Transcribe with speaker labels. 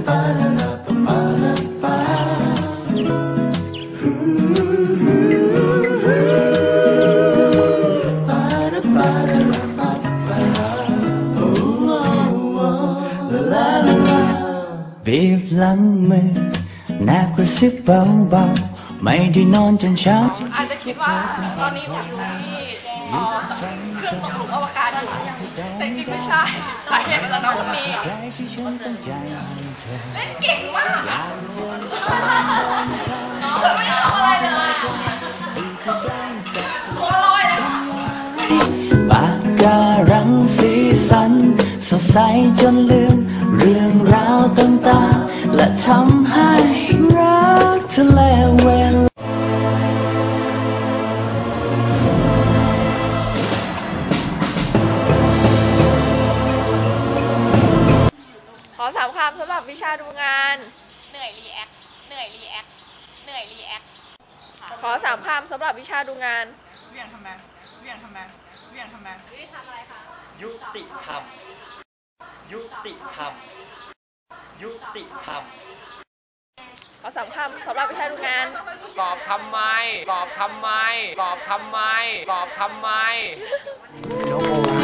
Speaker 1: บีบหลังมือแนบกระซิบเบาๆไม่ได้นอนจนเช้า
Speaker 2: อาจจะคิดว่าตอนนี้ผมอยู่ที่เครื่องตกหลุมอวกาศอยู่แต่จริงไม่ใช่สาเหตุมาจากน้องคนนี้เล่นเก่งมากน้องเธอไม่ทำอะไรเลยตัวลอยเลย
Speaker 1: ปากการังสีสันสดใสจนลืมเรื่องราวต่างๆและทำให้รักทะเลเวลา
Speaker 2: ขอ3 คำสำหรับวิชาดูงาน
Speaker 3: เหนื่อยรีแอคเหนื่อยรีแอคเหนื่อยรีแอค
Speaker 2: ขอ3 คำสำหรับวิชาดูงาน
Speaker 3: เวียงทำไมเวียงทำไมเวียงทำไมทำอะไรคะ
Speaker 1: ยุติธรรมยุติธรรมยุติธรรม
Speaker 2: ขอ3 คำสำหรับวิชาดูงาน
Speaker 3: สอบทำไมสอบทำไมสอบทำไมสอบทำไม